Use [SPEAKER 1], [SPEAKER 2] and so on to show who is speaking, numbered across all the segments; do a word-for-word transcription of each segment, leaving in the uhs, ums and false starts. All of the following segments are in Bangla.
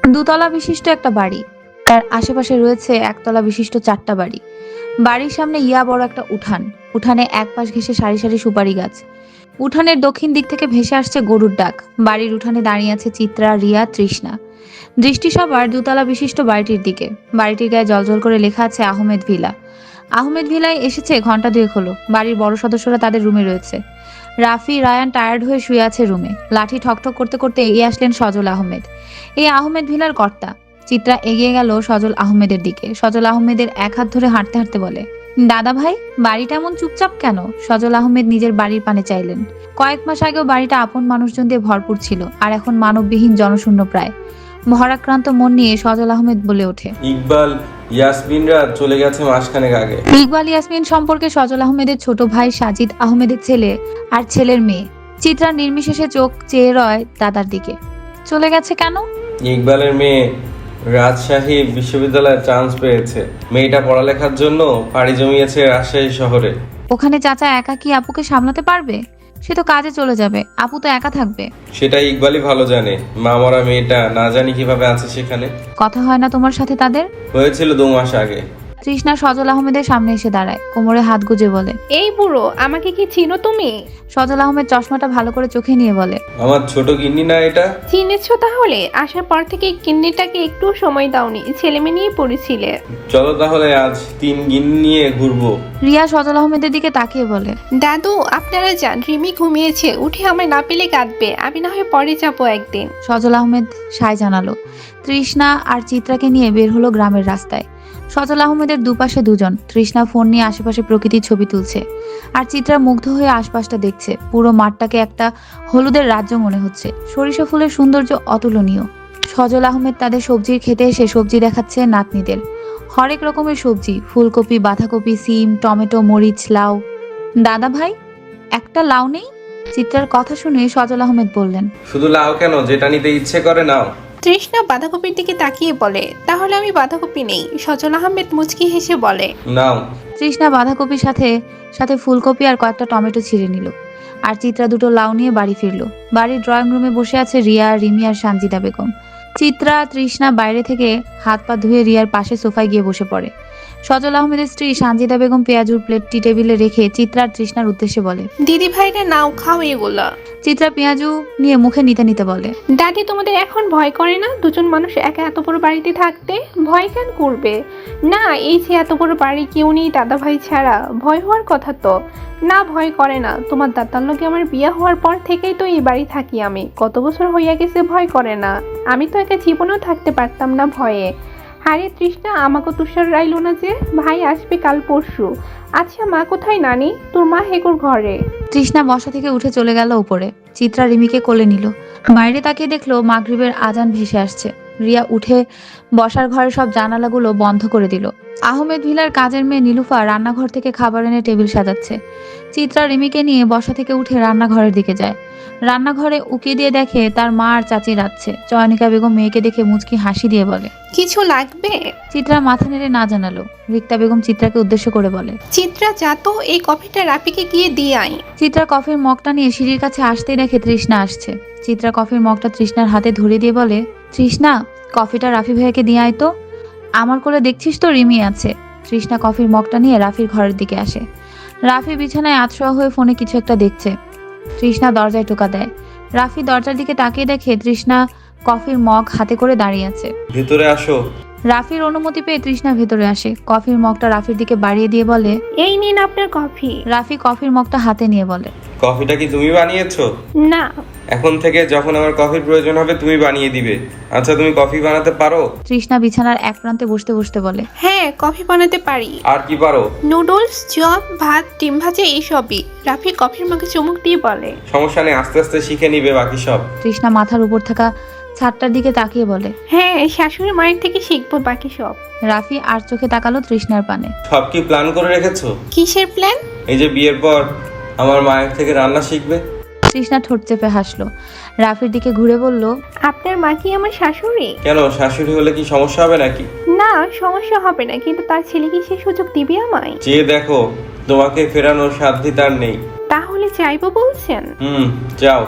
[SPEAKER 1] দুতলা বিশিষ্ট একটা বাড়ি, তার আশেপাশে রয়েছে একতলা বিশিষ্ট চারটা বাড়ি। বাড়ির সামনে ইয়া বড় একটা উঠান, উঠানে এক পাশ ঘেঁষে সারি সারি সুপারি গাছ। উঠানের দক্ষিণ দিক থেকে ভেসে আসছে গরুর ডাক। বাড়ির উঠানে দাঁড়িয়ে আছে চিত্রা, রিয়া, তৃষ্ণা। দৃষ্টি সবার দুতলা বিশিষ্ট বাড়িটির দিকে। বাড়িটির গায়ে জলজল করে লেখা আছে আহমেদ ভিলা। আহমেদ ভিলায় এসেছে ঘন্টা দুয়েক হলো। বাড়ির বড় সদস্যরা তাদের রুমে রয়েছে। রাফি, রায়ান টায়ার্ড হয়ে শুয়ে আছে রুমে। লাঠি ঠকঠক করতে করতে এগিয়ে আসলেন সজল আহমেদ, এই আহমেদ ভিলার কর্তা। চিত্রা এগিয়ে গেল সজল আহমেদের দিকে। সজল আহমেদের এক হাত ধরে হাঁটতে হাঁটতে বলে, দাদা ভাই, বাড়িটা এমন চুপচাপ কেন? সজল আহমেদ নিজের বাড়ির পানে চাইলেন। কয়েক মাস আগেও বাড়িটা আপন মানুষজন দিয়ে ভরপুর ছিল, আর এখন মানববিহীন, জনশূন্য প্রায়। ভরাক্রান্ত মন নিয়ে সজল আহমেদ বলে ওঠে,
[SPEAKER 2] ইকবাল ইয়াসমিনরা চলে গেছে মাসখানেক আগে।
[SPEAKER 1] ইকবাল ইয়াসমিন সম্পর্কে সজল আহমেদের ছোট ভাই সাজিদ আহমেদের ছেলে আর ছেলের মেয়ে। চিত্রা নির্বিশেষে চোখ চেয়ে রয় দাদার দিকে। চলে গেছে কেন?
[SPEAKER 2] ইকবালের মেয়ে রাজশাহী বিশ্ববিদ্যালয়ে চান্স পেয়েছে। মেয়েটা পড়ালেখার জন্য পাড়ি জমিয়েছে রাজশাহী শহরে।
[SPEAKER 1] ওখানে চাচা একা কি আপুকে সামলাতে পারবে? সে তো কাজে চলে যাবে, আপু তো একা থাকবে।
[SPEAKER 2] সেটা ইকবালই ভালো জানে। মা মরা মেয়েটা না জানি কিভাবে আছে সেখানে।
[SPEAKER 1] কথা হয় না তোমার সাথে তাদের?
[SPEAKER 2] হয়েছিল দু মাস আগে।
[SPEAKER 1] তৃষ্ণা সজল আহমেদের সামনে এসে দাঁড়ায়, কোমরে হাত গুজে বলে,
[SPEAKER 3] এই বুড়ো, আমাকে কি চিনো তুমি?
[SPEAKER 1] সজল আহমেদ চশমাটা ভালো করে চোখে নিয়ে বলে,
[SPEAKER 2] আমার ছোট গিন্নি না এটা?
[SPEAKER 3] চিনেছো তাহলে? আসার পর থেকে কিন্নিটাকে একটু সময় দাওনি, ছেলেমেয়ে নিয়ে পড়েছিলে।
[SPEAKER 2] চলো তাহলে আজ তিন গিন্নি নিয়ে ঘুরবো।
[SPEAKER 1] রিয়া সজল আহমেদের দিকে তাকিয়ে বলে,
[SPEAKER 3] দাদু আপনারা যান, রিমি ঘুমিয়েছে, উঠে আমায় না পেলে কাঁদবে, আমি না হয় পরে যাবো একদিন।
[SPEAKER 1] সজল আহমেদ সায় জানালো। তৃষ্ণা আর চিত্রাকে নিয়ে বের হলো গ্রামের রাস্তায়। সজল আহমেদের দুপাশে দুজন। তৃষ্ণা ফোন নিয়ে আশেপাশে প্রকৃতির ছবি তুলছে, আর চিত্রা মুগ্ধ হয়ে আশপাশটা দেখছে। পুরো মাঠটাকে একটা হলুদের রাজ্য মনে হচ্ছে। সরিষা ফুলের সৌন্দর্য অতুলনীয়। সজল আহমেদ তাদের সবজির খেতে এসে সবজি দেখাচ্ছে নাতনিদের। হরেক রকমের সবজি, ফুলকপি, বাঁধাকপি, সিম, টমেটো, মরিচ, লাউ। দাদা ভাই, একটা লাউ নেই? চিত্রার কথা শুনে সজল আহমেদ বললেন,
[SPEAKER 2] শুধু লাও কেন, যেটা নিতে ইচ্ছে করে নাও।
[SPEAKER 3] তৃষ্ণা বাঁধাকপির দিকে তাকিয়ে বলে, তাহলে আমি বাঁধাকপি নেই। সজল আহমেদ মুচকি হেসে বলে,
[SPEAKER 2] নাও।
[SPEAKER 1] তৃষ্ণা বাঁধাকপির সাথে সাথে ফুলকপি আর কয়েকটা টমেটো ছিঁড়ে নিল। আর চিত্রা দুটো লাউ নিয়ে বাড়ি ফিরল। বাড়ির ড্রয়িং রুমে বসে আছে রিয়া, রিমি আর সানজিদা বেগম। চিত্রা, তৃষ্ণা বাইরে থেকে হাত পা ধুয়ে রিয়ার পাশে সোফায় গিয়ে বসে পড়ে। সজল আহমেদের স্ত্রী সানজিদা বেগম পেঁয়াজুর প্লেটটি টেবিলে রেখে চিত্রা আর তৃষ্ণার উদ্দেশ্যে বলে,
[SPEAKER 3] দিদি ভাইরা নাও, খাও এগুলা।
[SPEAKER 1] চিত্রা পেঁয়াজু নিয়ে মুখে নিতে নিতে বলে,
[SPEAKER 3] দাদি তোমাদের এখন ভয় করে না দুজন মানুষ একা এত বড় বাড়িতে থাকতে? ভয় কেন করবে? না, এই যে এত বড় বাড়ি কেউ নেই দাদা ভাই ছাড়া, ভয় হওয়ার কথা তো না। ভয় করে না, তোমার দাদার লোকে আমার বিয়ে হওয়ার পর থেকেই তো এই বাড়ি থাকি আমি, কত বছর হইয়া গেছে। ভয় করে না, আমি তো একা জীবনেও থাকতে পারতাম না ভয়ে। হারে তৃষ্ণা, আমাকে তুষার রাইল না যে, ভাই আসবে কাল পরশু। আচ্ছা মা কোথায় নানি? তোর মা হেকুর ঘরে।
[SPEAKER 1] তৃষ্ণা বসা থেকে উঠে চলে গেল উপরে। চিত্রা রিমিকে কোলে নিল। বাইরে তাকিয়ে দেখলো মাগরিবের আজান ভেসে আসছে। রিয়া উঠে বসার ঘরে সব জানালাগুলো বন্ধ করে দিল। আহমেদ ভিলার কাজের মেয়ে নীলুফা রান্নাঘর থেকে খাবার এনে টেবিল সাজাচ্ছে। চিত্রা রিমিকে নিয়ে বসা থেকে উঠে রান্নাঘরের দিকে যায়। রান্নাঘরে উকি দিয়ে দেখে তার মা আর চাচি রাঁধছে। চয়নিকা বেগম মেয়েকে দেখে মুচকি হাসি দিয়ে বলে,
[SPEAKER 3] কিছু লাগবে?
[SPEAKER 1] চিত্রা মাথা নেড়ে না জানালো। রিক্তা বেগম চিত্রাকে উদ্দেশ্য করে বলে,
[SPEAKER 3] চিত্রা যা তো, এই কফিটা রাপিকে গিয়ে দিয়ে আই।
[SPEAKER 1] চিত্রা কফির মগটা নিয়ে সিঁড়ির কাছে আসতেই দেখে তৃষ্ণা আসছে। চিত্রা কফির মগটা তৃষ্ণার হাতে ধরিয়ে দিয়ে বলে, তৃষ্ণা, কফিটা রাফি ভাইয়াকে দিয়ে আয় তো। আমার কোলে দেখছিস তো রিমি আছে। তৃষ্ণা কফির মগটা নিয়ে রাফির ঘরের দিকে আসে। রাফি বিছানায় আতশোয়া হয়ে ফোনে কিছু একটা দেখছে। তৃষ্ণা দরজায় টোকা দেয়। রাফি দরজার দিকে তাকিয়ে দেখে তৃষ্ণা কফির মগ হাতে করে দাঁড়িয়ে আছে।
[SPEAKER 2] ভেতরে আসো।
[SPEAKER 1] রাফির অনুমতি পেয়ে তৃষ্ণা ভেতরে আসে। কফির মগটা রাফির দিকে বাড়িয়ে দিয়ে বলে,
[SPEAKER 3] এই নিন আপনার কফি।
[SPEAKER 1] রাফি কফির মগটা হাতে নিয়ে বলে,
[SPEAKER 2] কফিটা কি তুমি বানিয়েছো?
[SPEAKER 3] না।
[SPEAKER 2] এখন থেকে যখন আমার কফির প্রয়োজন হবে তুমি বানিয়ে দিবে। আচ্ছা তুমি কফি বানাতে পারো?
[SPEAKER 1] তৃষ্ণা বিছানার এক প্রান্তে বসতে বসতে বলে,
[SPEAKER 3] হ্যাঁ, কফি বানাতে পারি।
[SPEAKER 2] আর কি পারো?
[SPEAKER 3] নুডলস, চপ, ভাত, ডিম ভাজা এইসবই। রাফি কফির মুখে চুমুক দিয়ে বলে,
[SPEAKER 2] সমস্যা নেই, আস্তে আস্তে শিখে নিবে বাকি সব।
[SPEAKER 1] তৃষ্ণা মাথার উপর থাকা ছাদটার দিকে তাকিয়ে বলে,
[SPEAKER 3] হ্যাঁ, শাশুড়ি মায়ের থেকে শিখবো বাকি সব।
[SPEAKER 1] রাফি আর চোখে তাকালো তৃষ্ণার পানে।
[SPEAKER 2] সব কি প্ল্যান করে রেখেছো?
[SPEAKER 3] কিসের প্ল্যান?
[SPEAKER 2] এই যে বিয়ের পর আমার মায়ের থেকে রান্না শিখবে।
[SPEAKER 1] তৃষ্ণা ঠোঁট চেপে হাসলো। রাফির দিকে ঘুরে বলল,
[SPEAKER 3] আপনার মা কি আমার শাশুড়ি?
[SPEAKER 2] কেন, শাশুড়ি হলে কি সমস্যা হবে নাকি?
[SPEAKER 3] না, সমস্যা হবে না, কিন্তু তার ছেলে কি সে সুযোগ দিবে আমায়?
[SPEAKER 2] যে দেখো, তোমাকে ফেরানোর সাধ্য তার নেই।
[SPEAKER 3] তাহলে চাইবো বলছেন?
[SPEAKER 2] হুম, যাও।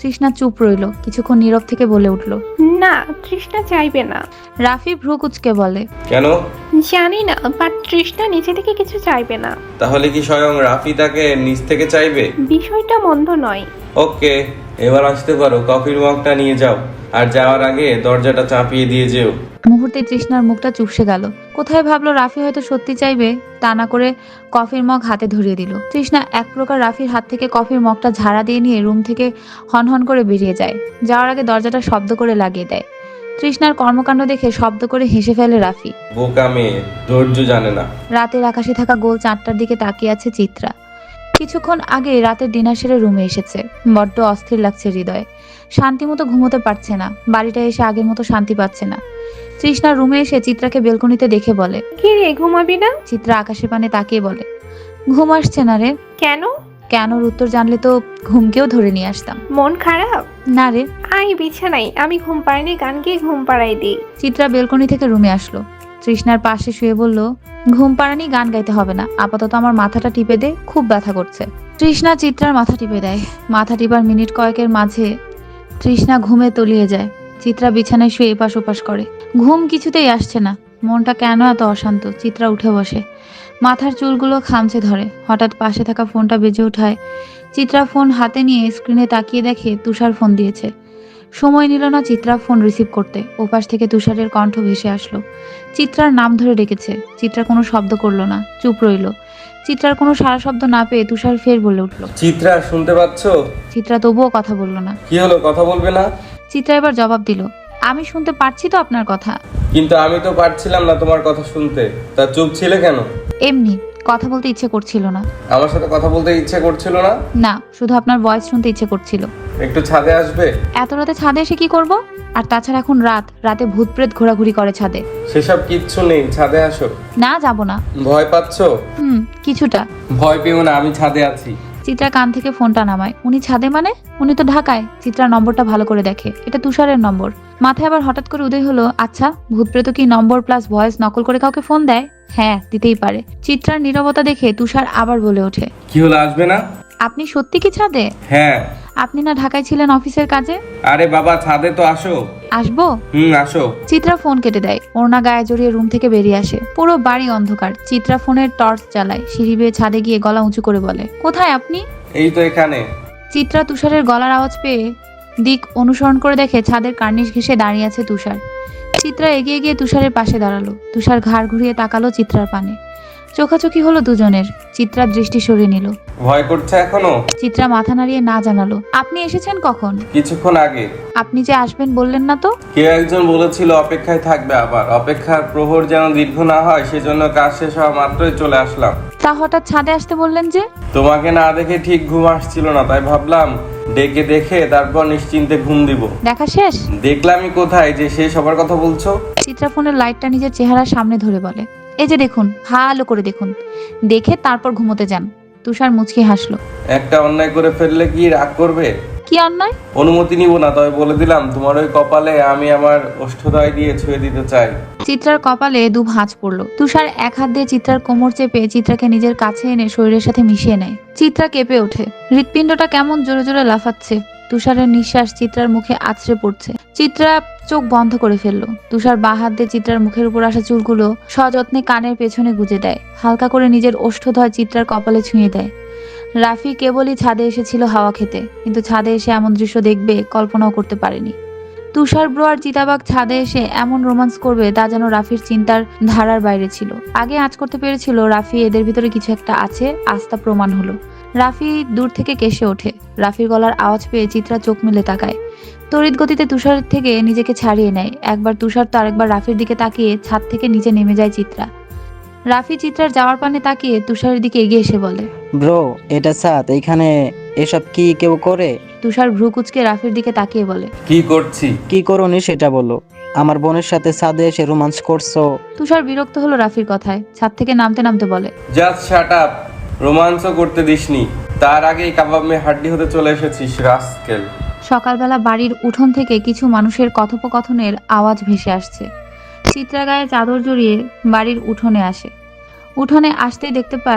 [SPEAKER 1] তৃষ্ণা চুপ রইল, কিছুক্ষণ নীরব থেকে বলে উঠল।
[SPEAKER 3] না, তৃষ্ণা চাইবে না।
[SPEAKER 1] রাফি ভ্রু কুচকে বলে,
[SPEAKER 2] কেন?
[SPEAKER 3] জানি না, বাট তৃষ্ণা নিজে থেকে কিছু চাইবে না।
[SPEAKER 2] তাহলে কি স্বয়ং রাফি তাকে নিজ থেকে চাইবে?
[SPEAKER 3] বিষয়টা মন্দ নয়।
[SPEAKER 2] ওকে, এবার আসতে পারো। কফির মগটা নিয়ে যাও, আর যাওয়ার আগে দরজাটা চাপিয়ে দিয়ে যেও।
[SPEAKER 1] মুহূর্তে তৃষ্ণার মুখটা চুপসে গেল। কোথায় ভাবলো রাফি হয়তো সত্যি চাইবে, তা না করে কফির মগ হাতে ধরিয়ে দিল। তৃষ্ণা এক প্রকার রাফির হাত থেকে কফির মগটা ঝাড়া দিয়ে নিয়ে রুম থেকে হনহন করে বেরিয়ে যায়। যাওয়ার আগে দরজাটা শব্দ করে লাগিয়ে দেয়। তৃষ্ণার কর্মকাণ্ড দেখে শব্দ করে হেসে ফেলে রাফি।
[SPEAKER 2] বোকা মেয়ে, ধৈর্য জানে না।
[SPEAKER 1] রাতের আকাশে থাকা গোল চাঁদটার দিকে তাকিয়ে আছে চিত্রা। কিছুক্ষণ আগে রাতের ডিনার সেরে রুমে এসেছে। বড্ড অস্থির লাগছে হৃদয়ে, শান্তিমতো ঘুমোতে পারছে না। বাড়িটা এসে আগের মতো শান্তি পাচ্ছে না। তৃষ্ণা রুমে এসে চিত্রাকে বেলকনিতে দেখে বলে,
[SPEAKER 3] কি রে, ঘুমাবি না?
[SPEAKER 1] চিত্রা আকাশের পানে তাকিয়ে বলে, ঘুম আসছে না রে।
[SPEAKER 3] কেন?
[SPEAKER 1] কেনর উত্তর জানলে তো ঘুমকেও ধরে নিয়ে আসতাম।
[SPEAKER 3] মন খারাপ?
[SPEAKER 1] না রে।
[SPEAKER 3] আই বিছানাই, আমি ঘুম পাড়ানি, গান গিয়ে ঘুম পাড়াই দিই।
[SPEAKER 1] চিত্রা বেলকনি থেকে রুমে আসলো। তৃষ্ণার পাশে শুয়ে বলল, ঘুম পাড়ানি, গান গাইতে হবে না, আপাতত আমার মাথাটা টিপে দে, খুব ব্যথা করছে। তৃষ্ণা চিত্রার মাথা টিপে দেয়। মাথা টিপার মিনিট কয়েকের মাঝে তৃষ্ণা ঘুমে তলিয়ে যায়। চিত্রা বিছানায় শুয়ে এপাশ ওপাশ করে, ঘুম কিছুতেই আসছে না। মনটা কেন এত অশান্ত। চিত্রা উঠে বসে, মাথার চুলগুলো খামচে ধরে। হঠাৎ পাশে থাকা ফোনটা বেজে ওঠায়। চিত্রা ফোন হাতে নিয়ে স্ক্রিনে তাকিয়ে দেখে তুষার ফোন দিয়েছে। সময় নিল না চিত্রা ফোন রিসিভ করতে। ওপাশ থেকে তুষারের কণ্ঠ ভেসে আসলো। চিত্রার নাম ধরে ডেকেছে। চিত্রা কোনো শব্দ করলো না, চুপ রইল। চিত্রার কোনো সারা শব্দ না পেয়ে তুষার ফের বলে উঠল,
[SPEAKER 2] চিত্রা, শুনতে পাচ্ছ?
[SPEAKER 1] চিত্রা তবুও কথা বলল না।
[SPEAKER 2] কি হলো, কথা বলবে না?
[SPEAKER 1] চিত্রা এবার জবাব দিল, আমি শুনতে পারছি তো আপনার কথা।
[SPEAKER 2] কিন্তু আমি তো পারছিলাম না তোমার কথা শুনতে। তা চুপ ছিলে কেন?
[SPEAKER 1] এমনি, কথা বলতে ইচ্ছে করছিল না।
[SPEAKER 2] আমার সাথে কথা বলতে ইচ্ছে করছিল না?
[SPEAKER 1] না, শুধু আপনার ভয়েস শুনতে ইচ্ছে করছিল।
[SPEAKER 2] একটু ছাদে আসবে?
[SPEAKER 1] এত রাতে ছাদে এসে কি করব? আর তাছাড়া এখন রাত, রাতে ভূত প্রেত ঘোরাঘুরি করে ছাদে।
[SPEAKER 2] সেসব কিচ্ছু নেই, ছাদে আসো।
[SPEAKER 1] না, যাব না।
[SPEAKER 2] ভয় পাচ্ছ?
[SPEAKER 1] হুম, কিছুটা।
[SPEAKER 2] ভয় পেও না, আমি ছাদে আছি।
[SPEAKER 1] চিত্রা কান থেকে ফোনটা নামায়। উনি ছাদে মানে? উনি তো ঢাকায়। চিত্রা নম্বরটা ভালো করে দেখে, এটা তুষারের নম্বর। মাথায় আবার হঠাৎ করে উদয় হলো, আচ্ছা, ভূতপ্রেত কি নম্বর প্লাস ভয়েস নকল করে কাউকে ফোন দেয়? হ্যাঁ, দিতেই পারে। চিত্রার নীরবতা দেখে তুষার আবার বলে ওঠে,
[SPEAKER 2] কি হলো, আসবে না?
[SPEAKER 1] আপনি সত্যি কি ছাদে?
[SPEAKER 2] হ্যাঁ।
[SPEAKER 1] আপনি না ঢাকায় ছিলেন অফিসের কাজে?
[SPEAKER 2] আরে বাবা, ছাদে তো আসো।
[SPEAKER 1] আসবো?
[SPEAKER 2] হুম, আসো।
[SPEAKER 1] চিত্রা ফোন কেটে দেয়। ওড়না গায়ে জড়িয়ে রুম থেকে বেরিয়ে আসে। পুরো বাড়ি অন্ধকার। চিত্রা ফোনের টর্চ জ্বালায়। সিঁড়ি বেয়ে ছাদে গিয়ে গলা উঁচু করে বলে, কোথায় আপনি?
[SPEAKER 2] এই তো এখানে।
[SPEAKER 1] চিত্রা তুষারের গলার আওয়াজ পেয়ে দিক অনুসরণ করে দেখে ছাদের কার্নিশ ঘেঁষে দাঁড়িয়ে আছে তুষার। চিত্রা এগিয়ে গিয়ে তুষারের পাশে দাঁড়ালো। তুষার ঘাড় ঘুরিয়ে তাকালো চিত্রার পানে। চোখাচোখি হলো দুজনের। চিত্রার দৃষ্টি সরিয়ে নিল।
[SPEAKER 2] ভয় করছে এখনো?
[SPEAKER 1] চিত্রা মাথা নাড়িয়ে না জানালো, আপনি এসেছেন কখন?
[SPEAKER 2] কিছুক্ষণ আগে।
[SPEAKER 1] আপনি যে আসবেন বললেন না তো?
[SPEAKER 2] কেউ একজন বলেছিল অপেক্ষায় থাকবে, আবার অপেক্ষার প্রহর যেন দীর্ঘ না হয়, সেজন্য কাজ শেষ হওয়া মাত্রই চলে আসলাম।
[SPEAKER 1] তা হঠাৎ ছাদে আসতে বললেন যে?
[SPEAKER 2] তোমাকে না দেখে ঠিক ঘুম আসছিল না, তাই ভাবলাম ডেকে দেখে তারপর নিশ্চিন্তে ঘুম দিব।
[SPEAKER 1] দেখা শেষ?
[SPEAKER 2] দেখলামই কোথায় যে শেষ হবার কথা বলছো।
[SPEAKER 1] চিত্রা ফোনের লাইটটা নিজের চেহারার সামনে ধরে বলে, এই যে দেখুন, ভালো করে দেখুন, দেখে তারপর ঘুমোতে যান। তুষার মুচকি হাসলো।
[SPEAKER 2] একটা অন্যায় করে ফেললে কি রাগ করবে?
[SPEAKER 1] কি অন্যায়?
[SPEAKER 2] অনুমতি নিব না, তবে বলে দিলাম তোমার ওই কপালে আমি আমার ওষ্ঠদয় দিয়ে ছুঁয়ে দিতে চাই।
[SPEAKER 1] চিত্রার কপালে দু ভাঁজ পড়লো। তুষার এক হাত দিয়ে চিত্রার কোমর চেপে চিত্রাকে নিজের কাছে এনে শরীরের সাথে মিশিয়ে নেয়। চিত্রা কেঁপে ওঠে। হৃৎপিণ্ডটা কেমন জোরে জোরে লাফাচ্ছে। তুষারের নিঃশ্বাস চিত্রার মুখে আছড়ে পড়ছে। চিত্রা চোখ বন্ধ করে ফেললো। তুষার বাঁ হাত দিয়ে চিত্রার মুখের উপর আসা চুলগুলো সযত্নে কানের পেছনে গুজে দেয়। হালকা করে নিজের ওষ্ঠদয় চিত্রার কপালে ছুঁয়ে দেয়। রাফি কেবলই ছাদে এসেছিল হাওয়া খেতে, কিন্তু ছাদে এসে এমন দৃশ্য দেখবে কল্পনাও করতে পারেনি। তুষার ব্রো আর চিতাবাঘ ছাদে এসে এমন রোমান্স করবে তা যেন রাফির চিন্তার ধারার বাইরে ছিল। আগে আঁচ করতে পেরেছিল রাফি এদের ভিতরে কিছু একটা আছে, আস্থা প্রমাণ হলো। রাফি দূর থেকে কেসে ওঠে। রাফির গলার আওয়াজ পেয়ে চিত্রা চোখ মেলে তাকায়। তড়িৎ গতিতে তুষার থেকে নিজেকে ছাড়িয়ে নেয়। একবার তুষার তো আরেকবার রাফির দিকে তাকিয়ে ছাদ থেকে নিচে নেমে যায় চিত্রা। রাফি চিত্রার যাওয়ার পানে তাকিয়ে তুষারের দিকে এগিয়ে এসে বলে,
[SPEAKER 4] ব্রো, এটা ছাদ, এখানে এসব কি কেউ করে?
[SPEAKER 1] তুষার ভ্রু কুচকে রাফির দিকে তাকিয়ে বলে,
[SPEAKER 2] কি করছি?
[SPEAKER 4] কি করোনি সেটা বলো। আমার বোনের সাথে ছাদে এসে রোমান্স করছো?
[SPEAKER 1] তুষার বিরক্ত হলো রাফির কথায়। ছাদ থেকে নামতে নামতে বলে,
[SPEAKER 2] জাস্ট শাট আপ। রোমান্সও করতে দিসনি, তার আগেই কাবাব মে হাড্ডি হতে চলে এসেছিস রাস্কেল।
[SPEAKER 1] সকালবেলা বাড়ির উঠোন থেকে কিছু মানুষের কথোপকথনের আওয়াজ ভেসে আসছে। চিত্রা গায়ে চাদর জড়িয়ে বাড়ির উঠোনে আসে। উঠোনে আসতেই দেখতে পায়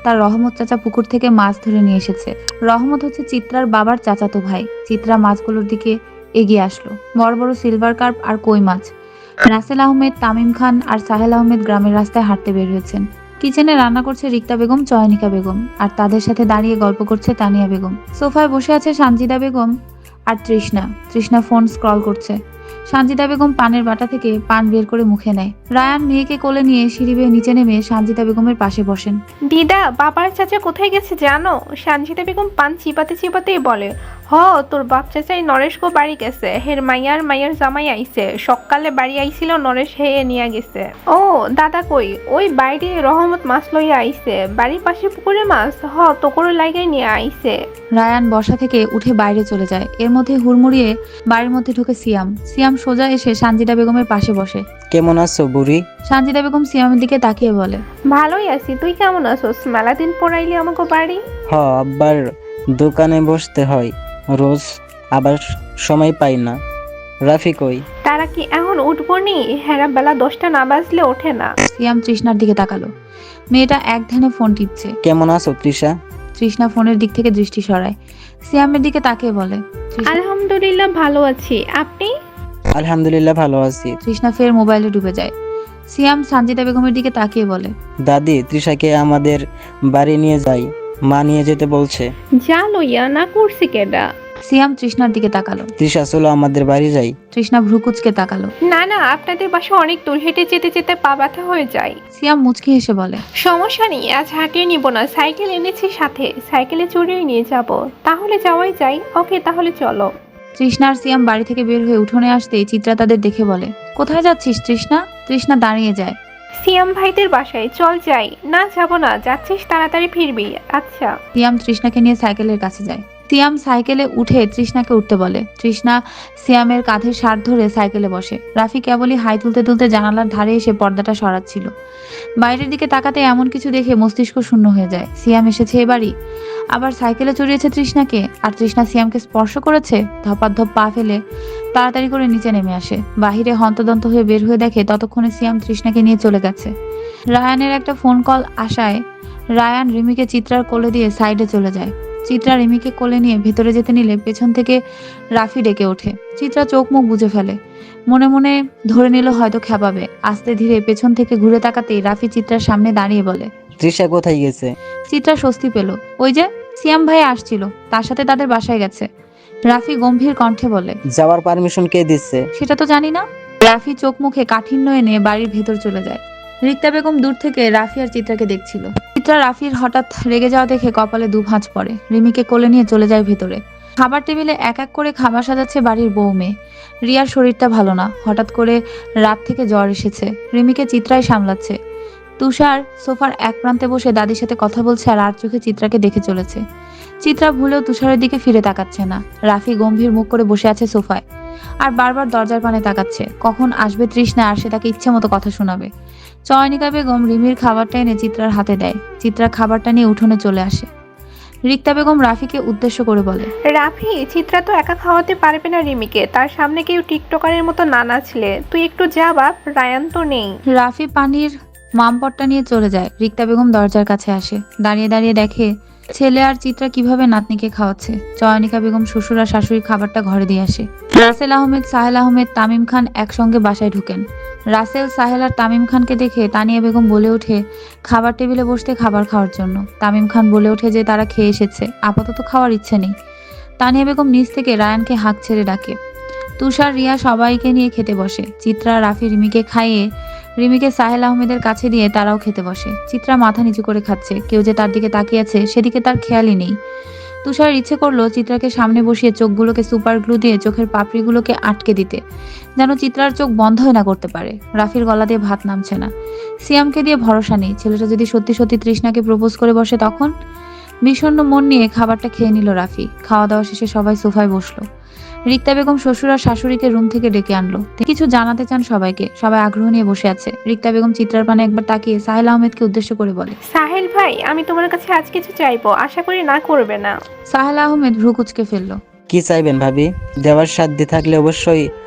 [SPEAKER 1] তার রহমত চাচা পুকুর থেকে মাছ ধরে নিয়ে এসেছে। রহমত হচ্ছে চিত্রার বাবার চাচাতো ভাই। চিত্রা মাছগুলোর দিকে এগিয়ে আসলো। বড় বড় সিলভার কার্প আর কই মাছ। রাসেল আহমেদ, তামিম খান আর সাহেল আহমেদ গ্রামের রাস্তায় হাঁটতে বের হয়েছেন। কিচেনে রান্না করছে রিক্তা বেগম, চয়নিকা বেগম, আর তাদের সাথে দাঁড়িয়ে গল্প করছে তানিয়া বেগম। সোফায় বসে আছে সানজিদা বেগম আর তৃষ্ণা। তৃষ্ণা ফোন স্ক্রল করছে। সানজিদা বেগম পানের বাটা থেকে পান বের করে মুখে নেয়। রায়ান মেয়েকে কোলে নিয়ে সিঁড়ি বেয়ে নিচে নেমে সানজিদা বেগমের পাশে বসেন।
[SPEAKER 3] দিদা, বাবার চাচা কোথায় গেছে জানো? সানজিদা বেগম পান চিপাতে চিপাতেই বলে, হ তোর বাপ চাচাই নরেশ গো বাড়ি গেছে, হের মাইয়ার মাইয়ার জামাই আইছে, সকালে বাড়ি আইছিল, নরেশ হেয়ে নিয়ে গেছে। ও দাদা কই? ওই বাইরে রহমত মাছ লইয়া আইছে, বাড়ির পাশে পুকুরে মাছ, হ তোকরে লাগাই নিয়ে আইছে।
[SPEAKER 1] রায়ান বসা থেকে উঠে বাইরে চলে যায়। এর মধ্যে হুড়মুড়িয়ে বাড়ির মধ্যে ঢুকে সিয়াম। সিয়াম সোজা এসে সানজিদা বেগমের পাশে বসে।
[SPEAKER 4] কেমন আছো বুড়ি?
[SPEAKER 1] সানজিদা বেগম সিয়ামের দিকে তাকিয়ে বলে,
[SPEAKER 3] ভালোই আছি, তুই কেমন আছোস? মেলা দিন পড়াইলি আমাকে বাড়ি।
[SPEAKER 4] হ, আব্বার দোকানে বসতে হয় রোজ, আবার সময় পাই না। রাফি কই?
[SPEAKER 3] তারা কি এখন উঠবো নি? হেরা বেলা দশটা না বাজলে ওঠে না।
[SPEAKER 1] সিয়াম তৃষ্ণার দিকে তাকালো। মেয়েটা এক ধ্যানে ফোন টিপছে।
[SPEAKER 4] কেমন আছো তৃষা?
[SPEAKER 1] তৃষ্ণা ফোনের দিক থেকে দৃষ্টি সরায়। সিয়ামের দিকে তাকিয়ে বলে, তৃষ্ণা-
[SPEAKER 3] আলহামদুলিল্লাহ ভালো আছি, আপনি?
[SPEAKER 4] আলহামদুলিল্লাহ ভালো আছি।
[SPEAKER 1] তৃষ্ণা ফের মোবাইলে ডুবে যায়। সিয়াম সানজিদা বেগমের দিকে তাকিয়ে বলে,
[SPEAKER 4] দাদি, তৃষাকে আমাদের বাড়ি নিয়ে যাই, মা নিয়ে যেতে বলছে।
[SPEAKER 3] যা লইয়া না করছি কেডা?
[SPEAKER 1] সিয়াম তৃষ্ণার দিকে তাকালো।
[SPEAKER 4] তৃষা চলো আমাদের বাড়ি যাই।
[SPEAKER 1] তৃষ্ণা ভ্রুকুচকে তাকালো।
[SPEAKER 3] না না, আপনাদের বাসা অনেক দূর, হেঁটে যেতে যেতে পা ব্যথা হয়ে যায়।
[SPEAKER 1] সিয়াম মুচকি হেসে বলে,
[SPEAKER 3] সমস্যা নেই, আজ হাঁটিয়ে নিব না, সাইকেল এনেছি সাথে, সাইকেলে চড়িয়ে নিয়ে যাব। তাহলে যাওয়াই যাই। ওকে তাহলে চলো।
[SPEAKER 1] তৃষ্ণা আর সিয়াম বাড়ি থেকে বের হয়ে উঠোনে আসতেই চিত্রা তাদের দেখে বলে, কোথায় যাচ্ছিস তৃষ্ণা? তৃষ্ণা দাঁড়িয়ে যায়।
[SPEAKER 3] সিয়াম ভাইদের বাসায়, চল যাই। না যাব না, যাচ্ছিস তাড়াতাড়ি ফিরবি। আচ্ছা।
[SPEAKER 1] সিয়াম তৃষ্ণাকে নিয়ে সাইকেলের কাছে যায়। সিয়াম সাইকেলে উঠে তৃষ্ণাকে উঠতে বলে। তৃষ্ণা সিয়ামের কাঁধে শার্ট ধরে সাইকেলে বসে। রাফি কেবলই হাই তুলতে তুলতে জানালার ধারে এসে পর্দাটা সরাচ্ছিল। বাইরের দিকে তাকাতে এমন কিছু দেখে মস্তিষ্ক শূন্য হয়ে যায়। সিয়াম এসেছে এ বাড়ি, আবার সাইকেলে চড়িয়েছে তৃষ্ণাকে, আর তৃষ্ণা সিয়ামকে স্পর্শ করেছে। ধপাধপ পা ফেলে তাড়াতাড়ি করে নিচে নেমে আসে। বাহিরে হন্তদন্ত হয়ে বের হয়ে দেখে ততক্ষণে সিয়াম তৃষ্ণাকে নিয়ে চলে গেছে। রায়ানের একটা ফোন কল আসায় রায়ান রিমিকে চিত্রার কোলে দিয়ে সাইডে চলে যায়। চিত্রা রিমিকে কোলে নিয়ে ভেতরে যেতে নিলে পেছন থেকে রাফি ডেকে ওঠে। চিত্রা চোখ মুখ বুজে ফেলে, মনে মনে ধরে নিল হয়তো খেপাবে। আস্তে ধীরে পেছন থেকে ঘুরে তাকাতেই রাফি চিত্রার সামনে দাঁড়িয়ে বলে,
[SPEAKER 4] তৃষা কোথায় গেছে?
[SPEAKER 1] চিত্রা স্বস্তি পেল। ওই যে সিয়াম ভাই আসছিল, তার সাথে তাদের বাসায় গেছে। রাফি গম্ভীর কণ্ঠে বলে,
[SPEAKER 4] যাওয়ার পারমিশন কে দিচ্ছে?
[SPEAKER 1] সেটা তো জানি না। রাফি চোখ মুখে কাঠিন্য এনে বাড়ির ভেতর চলে যায়। রিক্তা বেগম দূর থেকে রাফি আর চিত্রাকে দেখছিল। চিত্রা রাফির হঠাৎ রেগে যাওয়া দেখে কপালে দু ভাঁজ পড়ে। রিমিকে কোলে নিয়ে চলে যায় ভেতরে। খাবার টেবিলে এক এক করে খাবার সাজাচ্ছে বাড়ির বউ মেয়ে। রিয়ার শরীরটা ভালো না, হঠাৎ করে রাত থেকে জ্বর এসেছে। রিমিকে চিত্রাই সামলাচ্ছে। তুষার সোফার এক প্রান্তে বসে দাদির সাথে কথা বলছে আর আর চোখে চিত্রাকে দেখে চলেছে। চিত্রা ভুলেও তুষারের দিকে ফিরে তাকাচ্ছে না। রাফি গম্ভীর মুখ করে বসে আছে সোফায় আর বারবার দরজার পানে তাকাচ্ছে, কখন আসবে তৃষ্ণা আর সে তাকে ইচ্ছে মতো কথা শোনাবে। চয়নিকা বেগম রিমির খাবারটা এনে চিত্রার হাতে দেয়। চিত্রা খাবারটা নিয়ে উঠোনে চলে আসে। রিক্তা বেগম রাফিকে উদ্দেশ্য করে বলে,
[SPEAKER 3] রাফি, চিত্রা তো একা খাওয়াতে পারবে না রিমিকে, তার সামনে কেউ টিকটকারের মতো না নাচলে। তুই একটু যা বাপ, রায়ান তো নেই।
[SPEAKER 1] রাফি পানির মামপটটা নিয়ে চলে যায়। রিক্তা বেগম দরজার কাছে আসে, দাঁড়িয়ে দাঁড়িয়ে দেখে ছেলে আর চিত্রা কিভাবে নাতনিকে খাওয়াচ্ছে। চয়নিকা বেগম শ্বশুর আর শাশুড়ি খাবারটা ঘরে দিয়ে আসে। রাসেল আহমেদ, সাহেল আহমেদ, তামিম খান একসঙ্গে বাসায় ঢুকেন। রাসেল, সাহেল আর তামিম খানকে দেখে তানিয়া বেগম বলে ওঠে খাবার টেবিলে বসতে খাবার খাওয়ার জন্য। তামিম খান বলে ওঠে যে তারা খেয়ে এসেছে, আপাতত খাওয়ার ইচ্ছে নেই। তানিয়া বেগম নিচ থেকে রায়ানকে হাঁক ছেড়ে ডাকে। তুষার, রিয়া সবাইকে নিয়ে খেতে বসে। চিত্রা, রাফি রিমিকে খাইয়ে রিমিকে সাহেল আহমেদের কাছে দিয়ে তারাও খেতে বসে। চিত্রা মাথা নিচু করে খাচ্ছে, কেউ যে তার দিকে তাকিয়ে আছে সেদিকে তার খেয়ালই নেই। তুষার ইচ্ছে করলো চিত্রাকে সামনে বসিয়ে চোখগুলোকে সুপার গ্লু দিয়ে চোখের পাপড়িগুলোকে আটকে দিতে, যেন চিত্রার চোখ বন্ধই না করতে পারে। রাফির গলা দিয়ে ভাত নামছে না। সিয়ামকে দিয়ে ভরসা নেই, ছেলেটা যদি সত্যি সত্যি তৃষ্ণাকে প্রপোজ করে বসে তখন। বিষণ্ণ মন নিয়ে খাবারটা খেয়ে নিল রাফি। খাওয়া দাওয়া শেষে সবাই সোফায় বসলো। রিক্তা বেগম শ্বশুর আর শাশুড়িকে রুম থেকে ডেকে আনলো। কিছু জানাতে চান সবাইকে। সবাই আগ্রহ নিয়ে বসে আছে। রিক্তা বেগম চিত্রার পানে একবার তাকিয়ে সাহেল আহমেদকে উদ্দেশ্য করে বলে,
[SPEAKER 3] সাহেল ভাই, আমি তোমার কাছে আজ কিছু চাইবো, আশা করি না করবে না।
[SPEAKER 1] সাহেল আহমেদ ভ্রু কুচকে ফেললো।
[SPEAKER 4] কি চাইবেন ভাবি? দেওয়ার সাধ্য থাকলে অবশ্যই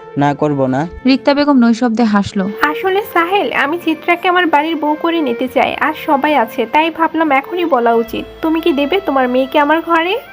[SPEAKER 4] না করব না।
[SPEAKER 1] রিক্তা বেগম নৈশব্দে হাসলো।
[SPEAKER 3] আসলে সাহেল, আমি চিত্রাকে আমার বাড়ির বউ করে নিতে চাই। আর সবাই আছে, তাই ভাবলাম এখনই বলা উচিত। তুমি কি দেবে তোমার মেয়েকে আমার ঘরে?